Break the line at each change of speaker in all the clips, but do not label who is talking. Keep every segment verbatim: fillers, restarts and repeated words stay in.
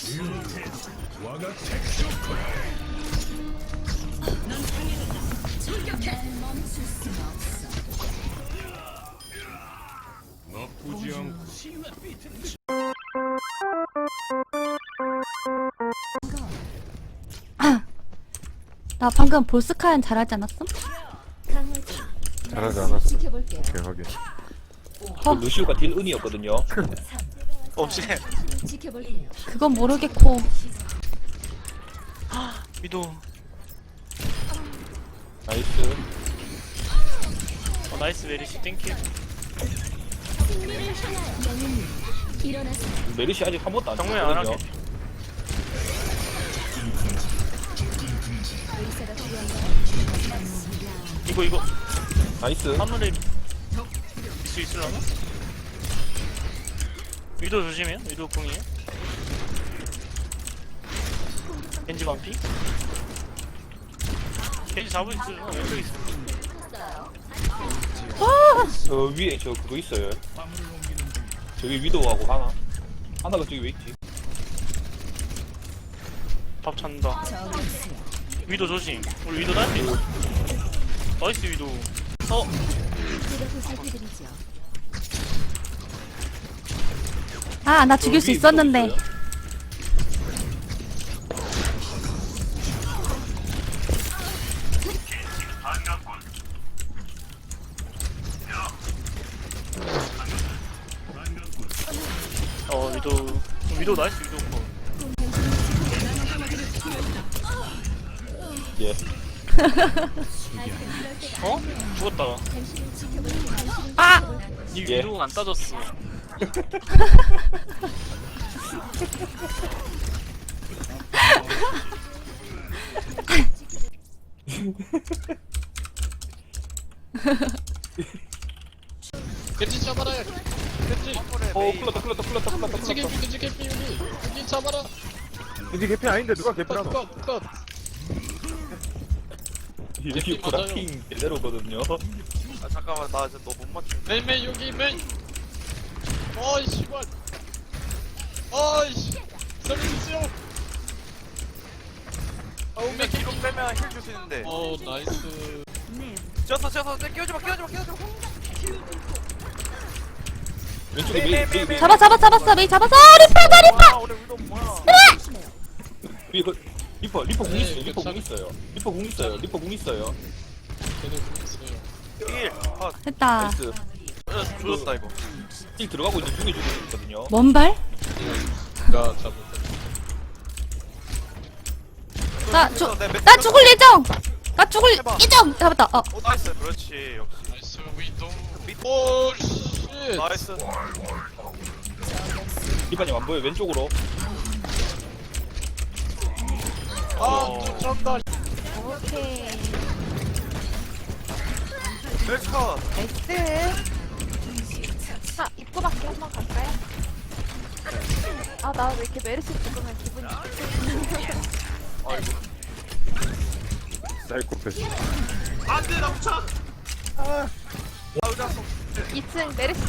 나쁘지 않고.
나 방금 볼스카연 잘하지 않았음?
잘하지 않았어. 오케이 확인.
어.
루시우가 딜 은이었거든요.
없지.
그건 모르겠고.
위도.
나이스.
어, 나이스 메리시 땡큐.
메르시 아직 한 번도 안
정면 안
쳤거든요.
할게. 이거 이거
나이스.
하늘에 있을 수 있으려나? 위도 조심해요. 위도 궁이에요. 겐지 반피. 겐지 잡을 수 있어. 왼쪽에 있어.
저 위에 저 그거 있어요. 저기 위도우하고 하나. 하나가 저기 왜 있지?
밥 찬다. 위도 조심. 우리 위도 달피. 나이스 위도. 어?
아, 나 죽일
저
수
위에
있었는데.
위도우 있어요.
어 위도. 위도 나이스 위도 거.
예.
어? 죽었다.
아!
니
예.
위도가 안 따졌어.
겐지 잡아라. 겐지.
어, 클렀다, 클렀다, 클렀다, 클렀다,
겐지
클렀다.
개피, 겐지 개피 여기. 겐지 잡아라.
이제 개피 아닌데 누가 개피라노?
컷, 컷, 컷.
이게 브라킹 제대로거든요.
아 잠깐만 나 진짜 너 못 맞추.
메인, 메인 여기 메인. 어이 씨발. 어이씨. 살려주세요.
아우 맥 뒤로 빼면 힐 줄 수 있는데.
어 나이스.
뛰었어 뛰었어 끼워지 마 끼워지 마 끼워지 마.
왼쪽에 메이, 메이, 메이.
잡아, 잡아, 잡았어. 메이 잡았어. 리퍼다, 리퍼!
아 우리 위도 뭐야?
위에 그, 리퍼, 리퍼 궁
네,
있어요. 리퍼 궁
괜찮아.
있어요. 리퍼 궁 있어요. 리퍼 궁 있어요.
걔네 보냈어요.
힐. 아
됐다.
나이스.
죽었다 이거.
힐 들어가고 있는 중에 죽고 있거든요.
뭔발?
나 잡았다.
나 죽, 나 죽을 예정! 나 죽을
해봐.
예정! 잡았다. 어.
오 나이스. 그렇지 역시.
나이스 위도. 오 씨.
나이스.
리퍼님 안 보여. 왼쪽으로.
아또 쩐다.
오케이.
멜스카.
나이스. 자, 입구 밖에 한번 갈까요? 아, 나 왜 이렇게 메르시 죽으면 기분이 좋지?
아이고.
사이코패스.
안돼 나 묻혀. 아. 아 의자 속.
이 층 메르시.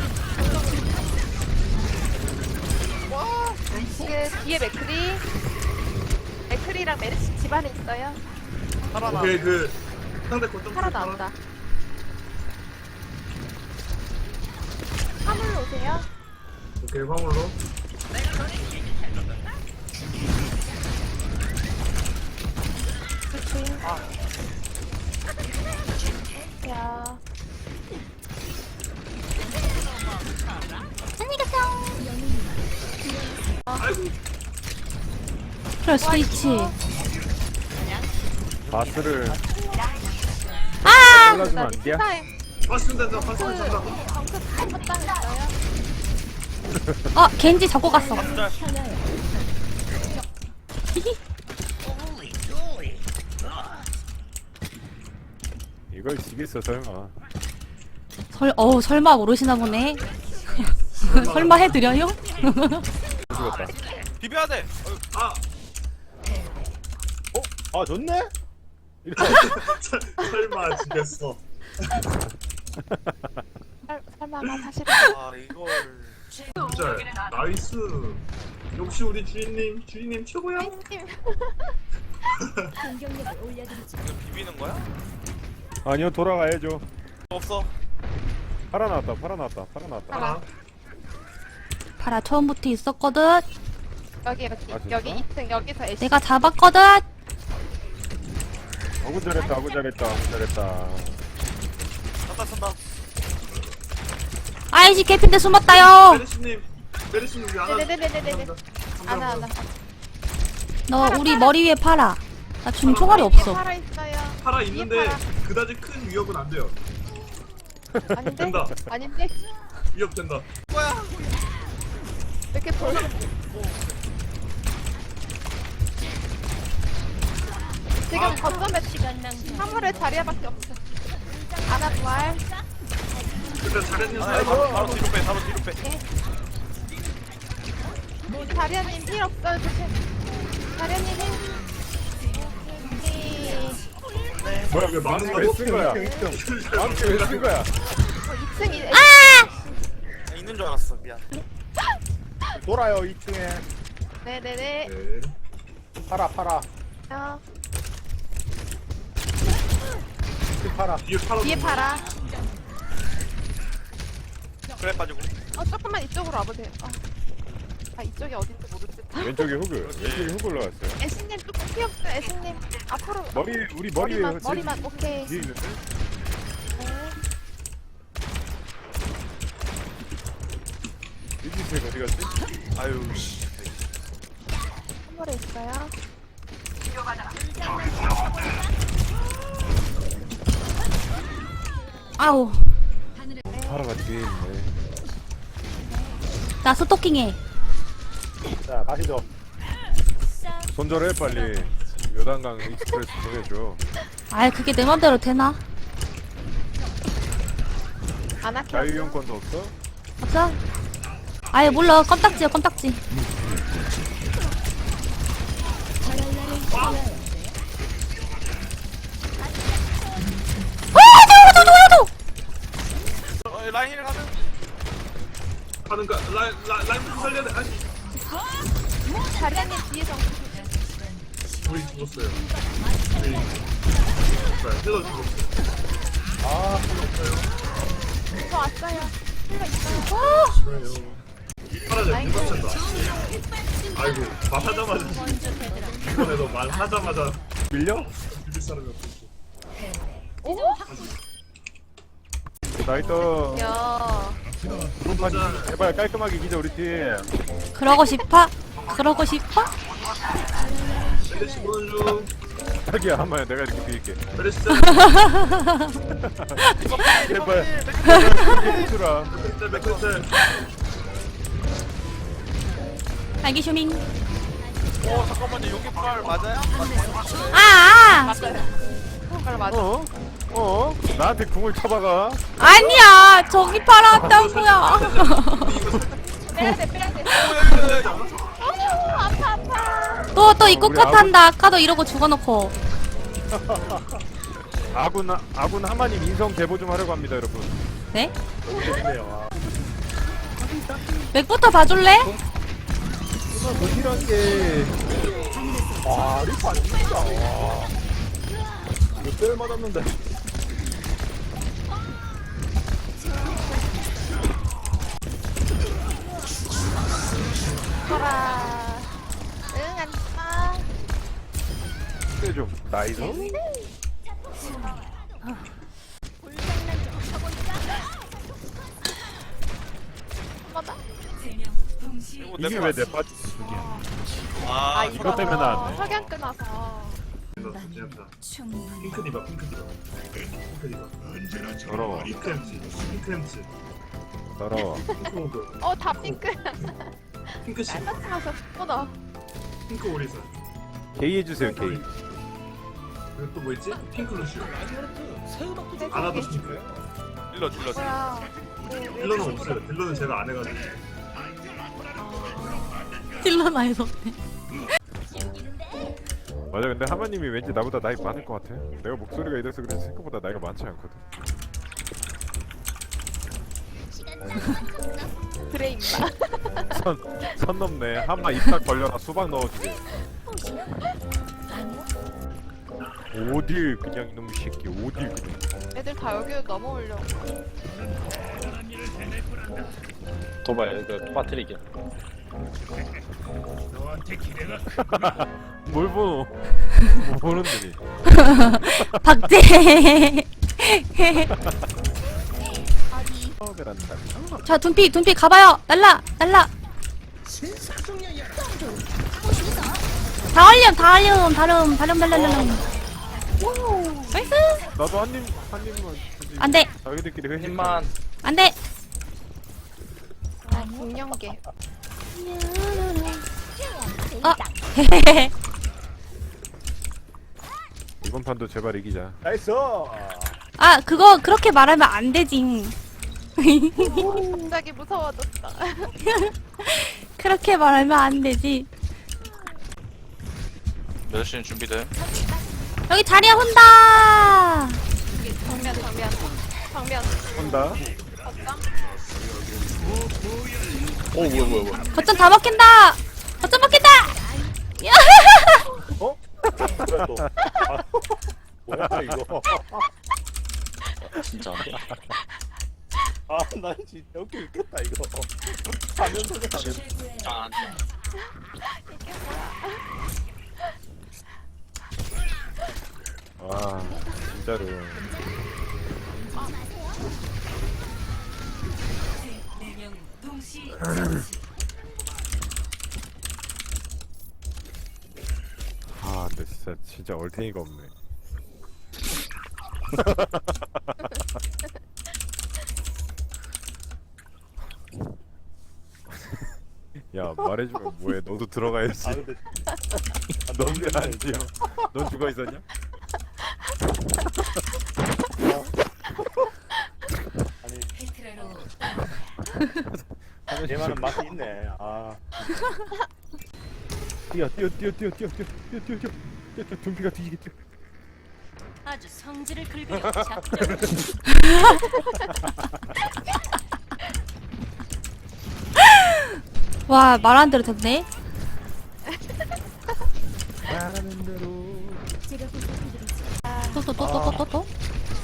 와, 지금 뒤에 맥크리. 맥크리랑 메르시 집안에 있어요.
살아나.
오케이 그 상대 거점
살아 나온다. 화물로 오세요.
오케이 화물로
그치. 야. 안녕히 가세요.
그래, 스위치.
바스를
아!
잘라주면 안 돼요?
타임.
파스는 된다 파스는 된다
방금 잘못당 했어요.
어, 겐지 잡고 갔어.
이걸 지겠어 설마.
설, 어우, 설마 모르시나 보네. 설마 해드려요?
죽었다.
비벼야 돼.
아
아 좋네?
설마 죽였어
설- 설마 나 사실
아 이걸.
진짜 나이스 역시 우리 주인님, 주인님 최고야.
님
비비는 거야?
아니요 돌아가야죠.
없어.
팔아 나왔다 팔아 나왔다 팔아 나왔다.
하나.
파라 처음부터 있었거든.
여기 여기
아, 진짜?
여기 이 층 여기서 애쉬.
내가 잡았거든.
아구 잘했다 아구 잘했다 아구 잘했다.
산다 산다.
아이씨 개핀데 숨었다요.
메르시님, 메르시님 우리 안아.
네네네네네네. 안아 안아.
너 우리 머리 위에 팔아. 나 지금 총알이 없어.
살아 있어요.
팔아 있는데
팔아.
그다지 큰 위협은 안 돼요.
아닌데?
된다.
아닌데?
위협 된다.
왜 이렇게 벌써 지금 거점에 화물에 자리야밖에 없어. 아나 부활.
일단 잘했는
아,
사람.
바로 바로 뒤로 빼. 바로 뒤로 빼.
자리야님 힐 없어요. 조심. 자리야님 힐. 오케이.
뭐야 왜 망치 왜쓴 거야? 망치 왜쓴 거야?
이 층 이
아!
나 있는 줄 알았어. 미안.
돌아요 이 층에.
네네네.
네.
팔아 팔아.
어,
팔아.
뒤에 팔아.
뒤에 팔아.
그래 빠지고.
어 조금만 이쪽으로 와보세요. 어. 아 이쪽이 어딘지 모르겠다.
왼쪽에 후글 왼쪽에 후글 올라갔어요.
애신님 조금 피 없어. 애신님 앞으로.
머리 우리 머리 위에
머리만
지금
머리만 오케이.
뒤에 있는데.
네.
유지색 어디 갔지?
아유 씨.
선물에 있어요.
아우.
파라가 뒤에 있네.
나 스토킹해.
자 가시죠. 손절해 빨리. 요단강 익스프레스 보내줘.
아이 그게 내 맘대로 되나?
안 할게.
자유이용권도 없어?
없어? 아예 몰라. 껌딱지야 껌딱지. 아 저거 저거 저거.
어, 라인 힐 가는.
하는가? 라인 라인 라인부터 살려야 돼. 아니,
자리야님 뒤에서.
우리 죽었어요. 우리 힐러 죽었어.
아
저 왔어요. 힐러 있어요.
팔아자 누가 쳤다. 아이고 말하자마자 이번에 너 말하자마자
밀려?
비빌 사람이 없었어.
오.
나이터
야.
드론판 제발 깔끔하게 이기자 우리 팀.
그러고 싶어? 그러고 싶어?
메르시 보는 중.
자기야 한번 내가 이렇게 비길게.
메르시
제발 해주라.
짤 맥클
알기 쇼밍.
어 잠깐만요. 여기 팔 맞아요? 맞아요.
아, 아!
그걸 맞아.
어? 어? 나한테 궁을 쳐박아.
아니야 저기 팔아왔다고요.
빼야 돼 빼야 돼. 어 아파 아파.
또 또 입고
우리
컷한다. 아까도 이러고 죽어놓고.
아군 아군 하마님 인성 제보 좀 하려고 합니다 여러분.
네?
너무 재밌네요.
맥부터 봐줄래?
아, 도시란 게. 와 리파 진짜. 와. 이거 뼈 맞았는데.
가라. 응 안녕.
뼈 좀. 나이스.
한 번 더.
이게 왜 내 빠?
아
이거 때문에 나왔네.
석양 끊어서.
진짜. 핑크 디바 핑크 디바. 핑크 디바.
더러워.
핑크 햄치. 핑크 햄치.
더러워.
핑크 모드.
어다 핑크.
핑크 씨.
깔딱 나서 끊어.
핑크 오리사.
게이 해주세요 게이.
그리고 또 뭐 있지? 핑크 루시오. 아나도 핑크.
딜러 딜러.
뭐야.
딜러는 없어요. 딜러는 제가 안 해가지고.
딜러나에서 없네.
맞아 근데 하마님이 왠지 나보다 나이 많을 것 같아. 내가 목소리가 이래서 그런지 생각보다 나이가 많지 않거든.
그래 임마.
선, 선 넘네. 한마 입 딱 벌려라 수박 넣어주게. 어딜 그냥 이놈의 새끼 어딜 그냥.
애들 다 여기로 넘어오려고.
도발 그 빠뜨리기.
뭘 보노? 뭐 보는들이.
박제.
처음이란다.
자, 둔피, 둔피 가봐요. 날라, 날라. 다 얼렴, 다 얼렴, 다름, 다름, 달달달름. 나이스.
나도 한 입, 한 입만. 주지.
안 돼,
자기들끼리 회식.
힘만.
안 돼.
아 중년계.
어,
이번 판도 제발 이기자.
아, 그거 그렇게 말하면 안 되지.
갑자기 무서워졌다.
그렇게 말하면 안 되지.
몇 시는 준비돼?
여기 자리야 혼다.
정면 정면 정면.
한다.
어쩜?
오 뭐야 뭐야 뭐야.
거점 다 먹힌다. 거점 먹힌다. 야.
그래 또. 아, 뭐야 이거.
진짜.
아 나 진짜 웃겨 죽겠다 이거. 화면 소리
아,
이게 뭐야?
와 진짜로. 아 근데 진짜 진짜 얼탱이가 없네. 야 말해주면 뭐해? 너도 들어가야지.
아 근데
넌 왜 안 지어? 넌 죽어 있었냐?
아니 얘만은 맛이 있네. 아
뛰어 뛰어 뛰어 뛰어 뛰어 뛰어 뛰어 뛰어 뛰어 뛰어 뛰어 둠피가 뒤지게 뛰어.
아주 성질을 긁으려 작정.
와, 말 안 대로 됐네.
말하는 대로.
또 또 또 또 또 또.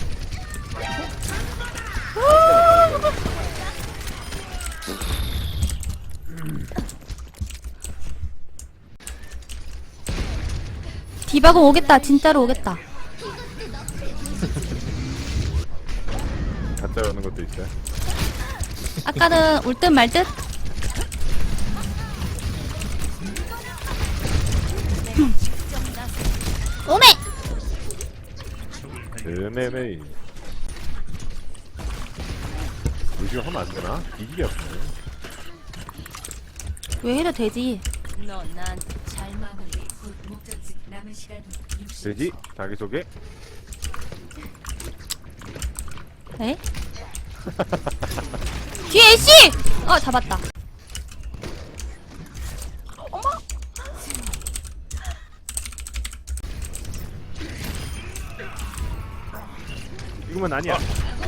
디바고 오겠다. 진짜로 오겠다.
가짜 오는 것도 있어요.
아까는 올 듯 말 듯. 오메.
네네네. 요즘 하면 안 되나? 이기게 없네.
왜 해도 되지.
너 나한테 잘 마무리. 곧 목적지 남은 시간 육십 초.
되지? 자기소개?
에? 뒤에 애쉬! 어, 잡았다.
이거만 아니야.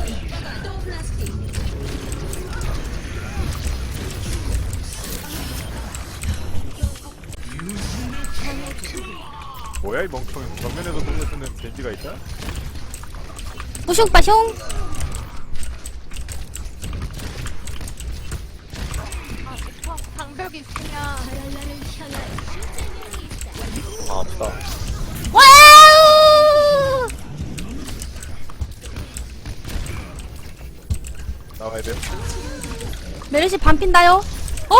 뭐야 이 멍청이. 정면에서 돌려쓰는 벤지가 있다?
뿌숑 빠숑.
아 이거 방벽 있으면
아 아프다.
와우!
나와야 돼.
메르시 반핀다요. 오!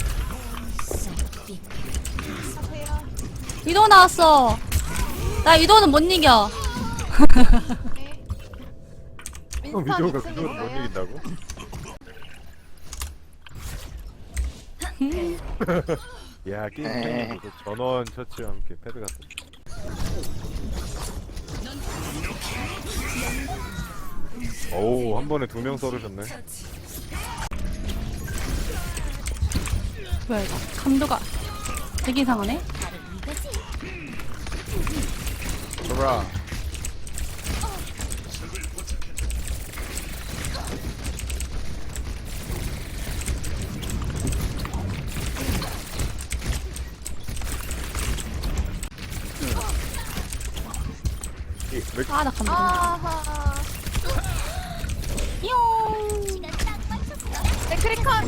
하세요.
위도 나왔어. 나 위도는 못 이겨.
네.
어,
민스턴
미도가
이 층
그걸 못
있어요.
이긴다고? 야 게임 끝나고 전원 처치와 함께 패드 같은. 오우 한 번에 두 명 썰으셨네.
뭐야 이거. 감도가 되게 이상하네.
돌아.
아, 나 감동.
아하.
뿅.
네, 크리컨.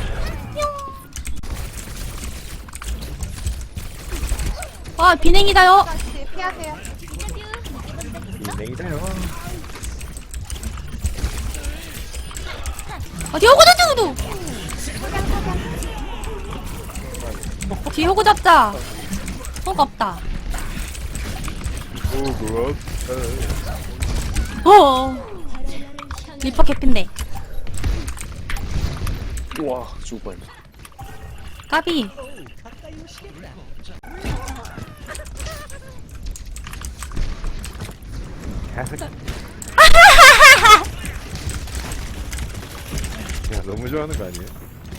아, 비냉이다요.
다시 피하세요.
냉이다요.
아, 뒤에 호구 잡자도. 뒤에 호구 잡자. 호구 없다.
오그
어. 리퍼 개핀데.
우와 죽을 뻔.
까비.
개새끼. 야 너무 좋아하는 거 아니에요?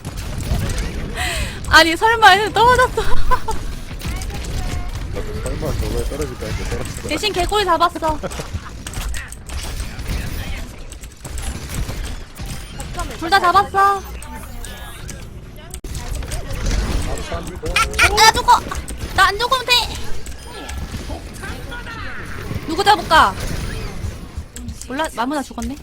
아니 설마 해서 떨어졌어.
나도 설마 저거에 떨어질까 했는데 떨어졌어.
대신 개꿀 잡았어. 둘 다 잡았어. 아, 나 죽어. 나 안 죽으면 돼. 누구 잡을까? 몰라, 마무나 죽었네.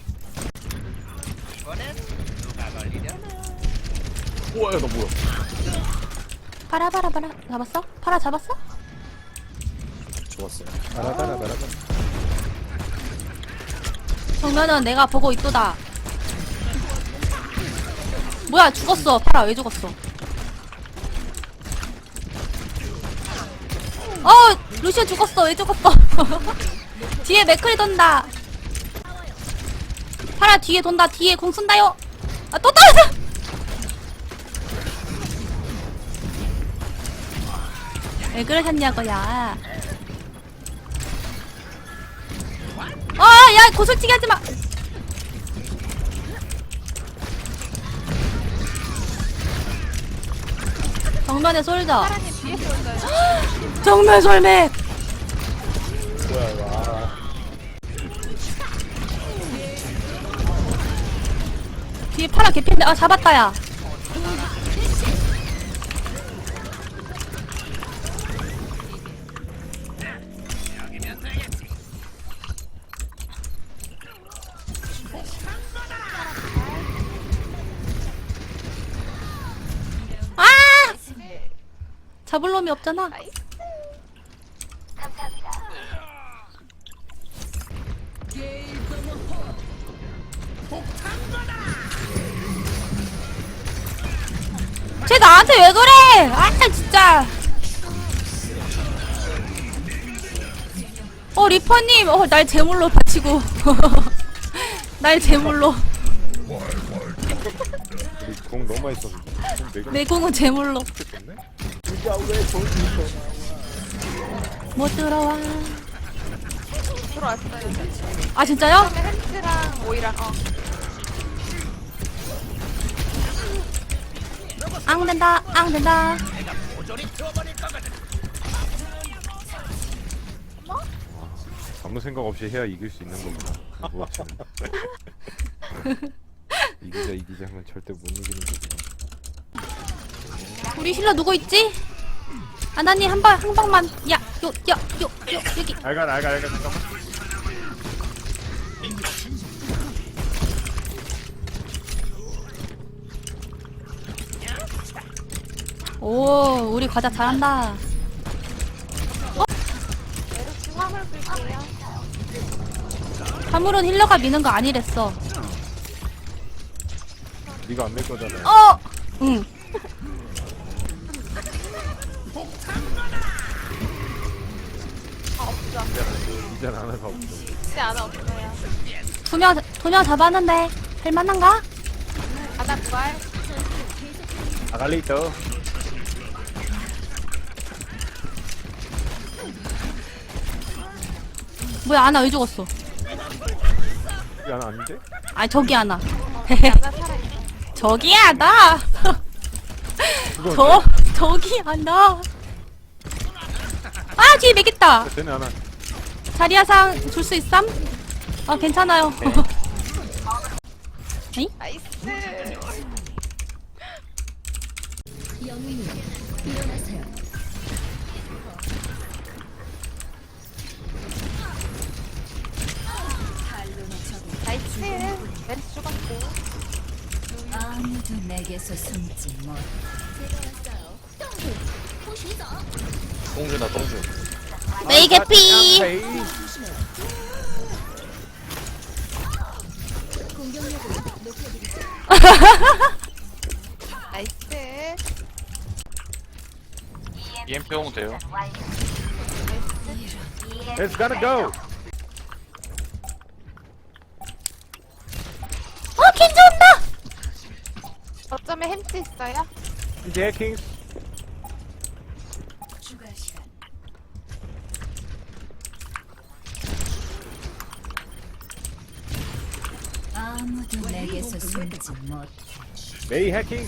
우와 너 뭐야?
파라 파라 파라 잡았어? 파라 잡았어?
좋았어.
바라바라 바라바라.
정면은 내가 보고 있도다. 뭐야 죽었어. 파라 왜 죽었어? 어 루시오 죽었어. 왜 죽었어? 뒤에 맥클이 돈다. 파라 뒤에 돈다. 뒤에 공 쓴다요. 아 또 떨어져. 왜 그러셨냐고 야. 아야 고솔치기 하지마. 정면에 솔져.
사라님 뒤에서 올까요?
정면 솔맥.
뭐야 와.
뒤에 파라 개핀데. 아 잡았다 야. 아! 잡을 놈이 없잖아. 쟤 나한테 왜 그래? 아 진짜. 어 리퍼님, 어 날 제물로 바치고. 날 제물로.
우리 공 너무 많이 썼는데. 공 내가
내 공은 제물로.
좋네.
못 들어와.
들어왔어요.
아 진짜요?
그다음에 햄스랑 오이랑 어.
앙 된다, 앙 된다.
아무 생각 없이 해야 이길 수 있는 거구나. 뭐 이기자 이기자 하면 절대 못 이기는 거구나.
우리 힐러 누구 있지? 아나님 한 방, 한 방만. 야, 요, 요, 요, 요, 여기.
알갈 알갈 알갈 잠깐만.
오, 우리 과자 잘한다.
메르시 화물 불게요.
화물은 힐러가 미는 거 아니랬어.
네가 안 낼 거잖아.
어, 응.
아 없죠.
이젠 하나가 없어.
진짜 안 없어요.
두 명, 두 명 잡았는데 할만한가?
바다 부활.
아갈리터.
뭐야, 아나 왜 죽었어?
이게 하나 아닌데?
아, 저기 아나.
바다 살아있어.
저기 아나.
그거
저, 저기 아나. 아, 뒤에 맥있다.
쟤네 하나.
자리야상 줄 수 있삼? 아, 괜찮아요. 에이?
나이스.
영웅님 일어나세요.
메르시 죽었고.
아무도 내게서 숨지 못.
똥주나 똥주.
메이 개피.
나이스.
이엠피 오면 돼요.
It's gonna go.
어 킨즈 온다.
어쩌면 햄찌 있어요?
이제 해킹.
추가 시간. 아무도 내게서 숨지 못.
메이 해킹.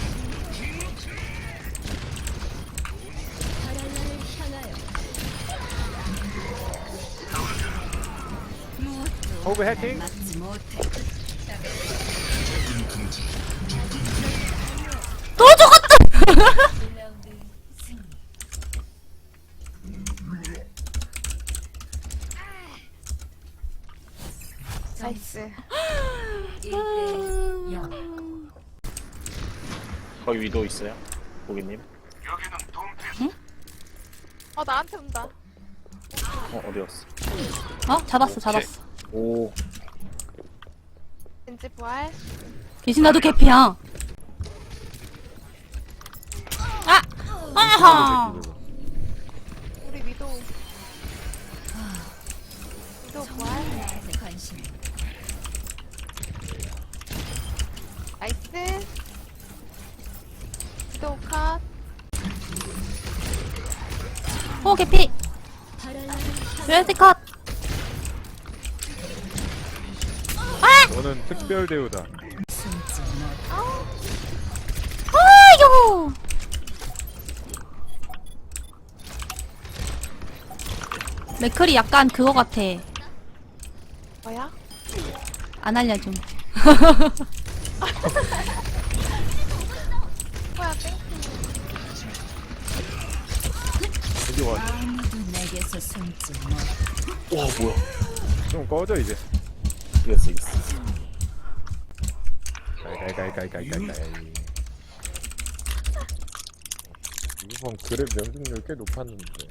호그 해킹.
맞지 못해.
또 죽었다.
일 라운드 승리.
나이스.
일 대 영.
거기 위도 있어요? 고객님?
어, 나한테 온다.
어 어디 갔어?
어 잡았어 잡았어.
오
겐지 부활.
대신 나도 개피야. 아 아하.
우리 위도. 위도 부활.
나한테 관심.
나이스. 위도 컷.
어 개피. 웨스 컷.
너는 특별 대우다.
숨지 못.
아이고. 맥클이 약간 그거 같아.
뭐야?
안 알려줌.
뭐야, 땡.
여기 와.
아무도 내게서 숨지 못.
와 뭐야?
좀 꺼져 이제.
이겼어 이겼어.
가이가이가이가이가이가이. 이번 그랩 명중률 꽤 높았는데.